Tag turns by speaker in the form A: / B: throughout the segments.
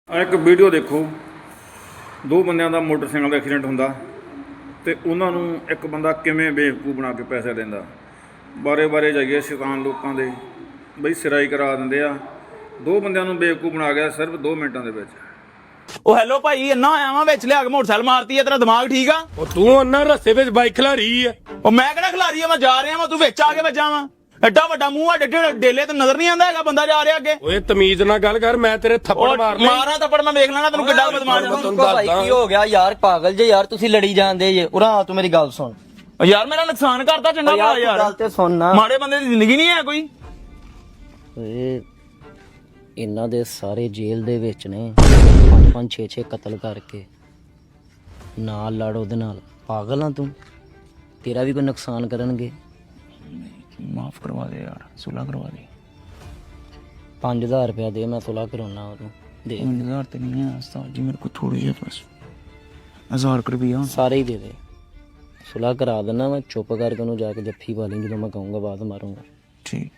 A: ਇੱਕ ਵੀਡੀਓ ਦੇਖੋ, ਦੋ ਬੰਦਿਆਂ ਦਾ ਮੋਟਰਸਾਈਕਲ ਦਾ ਐਕਸੀਡੈਂਟ ਹੁੰਦਾ ਤੇ ਉਹਨਾਂ ਨੂੰ ਇੱਕ ਬੰਦਾ ਕਿਵੇਂ ਬੇਵਕੂਫ ਬਣਾ ਕੇ ਪੈਸੇ ਦਿੰਦਾ। ਬਾਰੇ ਬਾਰੇ ਜਾਈਏ ਸ਼ੈਤਾਨ ਲੋਕਾਂ ਦੇ ਬਈ ਸਿਰਾਈ ਕਰਾ ਦਿੰਦੇ ਆ। ਦੋ ਬੰਦਿਆਂ ਨੂੰ ਬੇਵਕੂਫ ਬਣਾ ਗਿਆ ਸਿਰਫ 2 ਮਿੰਟਾਂ ਦੇ ਵਿੱਚ।
B: ਉਹ ਹੈਲੋ ਭਾਈ, ਇੰਨਾ ਆਇਆ ਵਾਂ ਵਿੱਚ ਲਿਆ ਕੇ ਮੋਟਰਸਾਈਕਲ ਮਾਰਤੀ ਹੈ। ਤੇਰਾ ਦਿਮਾਗ ਠੀਕ ਆ?
C: ਉਹ ਤੂੰ ਉਹਨਾਂ ਰਸਤੇ ਵਿੱਚ ਬਾਈਕ ਖਿਲਾਰੀ ਆ।
B: ਉਹ ਮੈਂ ਕਿਹੜਾ ਖਿਲਾਰੀ ਆ? ਮੈਂ ਜਾ ਰਿਹਾ ਵਾਂ, ਤੂੰ ਵਿੱਚ ਆ ਕੇ ਵੱਜਾ ਵਾਂ। ਐਡਾ ਵੱਡਾ ਮੂੰਹ ਆ, ਡੇਲੇ ਤੇ ਨਜ਼ਰ ਨਹੀਂ ਆਉਂਦਾ ਹੈਗਾ ਬੰਦਾ ਜਾ ਰਿਹਾ ਅੱਗੇ।
C: ਓਏ ਤਮੀਜ਼ ਨਾਲ ਗੱਲ ਕਰ, ਮੈਂ ਤੇਰੇ ਥੱਪੜ ਮਾਰ ਲੈ।
B: ਮਾਰਾਂ ਥੱਪੜ ਮੈਂ ਵੇਖ ਲੈਣਾ ਤੈਨੂੰ ਕਿੱਡਾ ਬਦਮਾਸ਼।
D: ਭਾਈ ਕੀ ਹੋ ਗਿਆ ਯਾਰ? ਪਾਗਲ ਜੇ ਯਾਰ, ਤੁਸੀਂ ਲੜੀ ਜਾਂਦੇ ਜੇ। ਉਰਾ ਤੂੰ ਮੇਰੀ ਗੱਲ ਸੁਣ
B: ਯਾਰ ਮੇਰਾ ਨੁਕਸਾਨ ਕਰਤਾ ਚੰਗਾ ਭਲਾ ਯਾਰ।
D: ਗੱਲ ਤੇ ਸੁਣ ਨਾ।
B: ਮਾੜੇ ਬੰਦੇ ਦੀ ਜ਼ਿੰਦਗੀ ਨਹੀਂ ਹੈ ਕੋਈ।
D: ਓਏ ਇਹਨਾਂ ਦੇ ਸਾਰੇ ਜੇਲ੍ਹ ਦੇ ਵਿੱਚ ਨੇ 5-5 6-6 ਕਤਲ ਕਰਕੇ। ਨਾਲ ਲੜ ਉਹਦੇ ਨਾਲ। ਪਾਗਲ ਆ ਤੂੰ? ਤੇਰਾ ਵੀ ਕੋਈ ਨੁਕਸਾਨ ਕਰਨਗੇ।
B: ਮਾਫ ਕਰਵਾ ਦੇ ਯਾਰ, ਸੁਲਾ ਕਰਵਾ ਦੇ।
D: 5000 ਰੁਪਇਆ ਦੇ, ਮੈਂ ਸੁਲਾ ਕਰਾਉਣਾ ਉਹਨੂੰ। ਦੇ
B: 5000 ਤੇ ਨਹੀਂ ਹੈ ਉਸਤਾਦ ਜੀ, ਮੇਰੇ ਕੋਲ ਥੋੜੇ ਜਿਹੇ ਬਸ 1000 ਰੁਪਇਆ
D: ਸਾਰੇ ਹੀ ਦੇ ਦੇ। ਸੁਲਾ ਕਰਾ ਦੇਣਾ ਮੈਂ। ਚੁੱਪ ਕਰਕੇ ਉਹਨੂੰ ਜਾ ਕੇ ਜੱਫੀ ਪਾ ਲਈ ਜਦੋਂ ਮੈਂ ਕਹੂੰਗਾ, ਬਾਅਦ ਮਾਰੂੰਗਾ।
B: ਠੀਕ।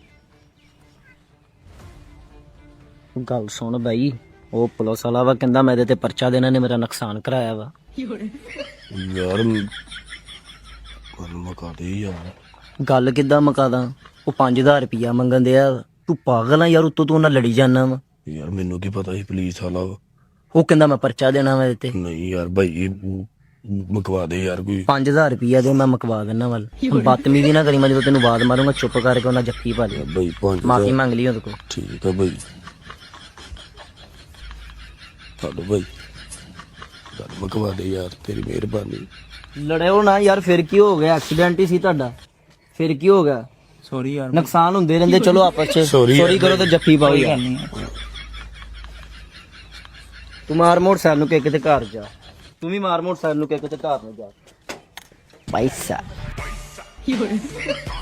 D: ਗੱਲ ਸੁਣ ਬਾਈ, ਉਹ ਪੁਲਿਸ ਵਾਲਾ ਵਾ, ਕਹਿੰਦਾ ਮੈਂ ਇਹਦੇ ਤੇ ਪਰਚਾ ਦੇਣਾ, ਨੇ ਮੇਰਾ ਨੁਕਸਾਨ ਕਰਾਇਆ ਵਾ।
C: ਯਾਰ ਗੱਲ ਮੁਕਾ ਦੇ ਯਾਰ।
D: ਗੱਲ ਕਿੱਦਾਂ ਮੁਕਾਦਾ? ਉਹ 5000 ਰੁਪਇਆ ਮੰਗਣ ਦਿਆ। ਤੂੰ ਪਾਗਲ ਆ ਯਾਰ? ਉੱਤੋਂ ਤੂੰ ਉਹਨਾਂ ਲੜੀ ਜਾਣਾ ਵਾ।
C: ਯਾਰ ਮੈਨੂੰ ਕੀ ਪਤਾ ਸੀ ਪੁਲਿਸ ਵਾਲਾ ਵਾ।
D: ਉਹ ਕਹਿੰਦਾ ਮੈਂ ਪਰਚਾ ਦੇਣਾ ਵਾ ਇਹਦੇ ਤੇ।
C: ਨਹੀਂ ਯਾਰ ਭਾਈ ਮੁਕਵਾ ਦੇ ਯਾਰ ਕੋਈ।
D: 5000 ਰੁਪਇਆ ਦੇ, ਮੈਂ ਮੁਕਵਾ ਦੇਣਾ ਵੱਲ। ਬਦਤਮੀਜ਼ੀ ਨਾ ਕਰੀ, ਮੈਂ ਜਦੋਂ ਤੈਨੂੰ ਬਾਦ ਮਾਰੂੰਗਾ ਚੁੱਪ ਕਰਕੇ ਉਹਨਾਂ ਜੱਫੀ ਪਾ ਦੇ।
C: ਭਾਈ 5
D: ਮਾਫੀ ਮੰਗ ਲਈ ਉਹਦੇ ਕੋਲ।
C: ਠੀਕ ਆ ਭਾਈ। ਹਲੋ ਭਾਈ ਗੱਲ ਮੁਕਵਾ ਦੇ ਯਾਰ, ਤੇਰੀ ਮਿਹਰਬਾਨੀ।
D: ਲੜਿਓ ਨਾ ਯਾਰ, ਫਿਰ ਕੀ ਹੋ ਗਿਆ? ਐਕਸੀਡੈਂਟ ਹੀ ਸੀ ਤੁਹਾਡਾ, ਫਿਰ ਕੀ ਹੋ ਗਿਆ?
B: ਸੌਰੀ ਯਾਰ,
D: ਨੁਕਸਾਨ ਹੁੰਦੇ ਰਹਿੰਦੇ। ਚਲੋ ਆਪਸ ਚ
C: Sorry
D: ਸੌਰੀ ਕਰੋ ਤੇ ਜੱਫੀ ਪਾਓ ਯਾਰ। ਤੂੰ ਮਾਰ ਮੋਟਰਸਾਈਕਲ ਨੂੰ ਕਿਤੇ ਘਰ ਜਾ। ਤੂੰ ਵੀ ਮਾਰ ਮੋਟਰਸਾਈਕਲ ਨੂੰ ਕਿਤੇ ਘਰ ਨੂੰ ਜਾ। ਪੈਸਾ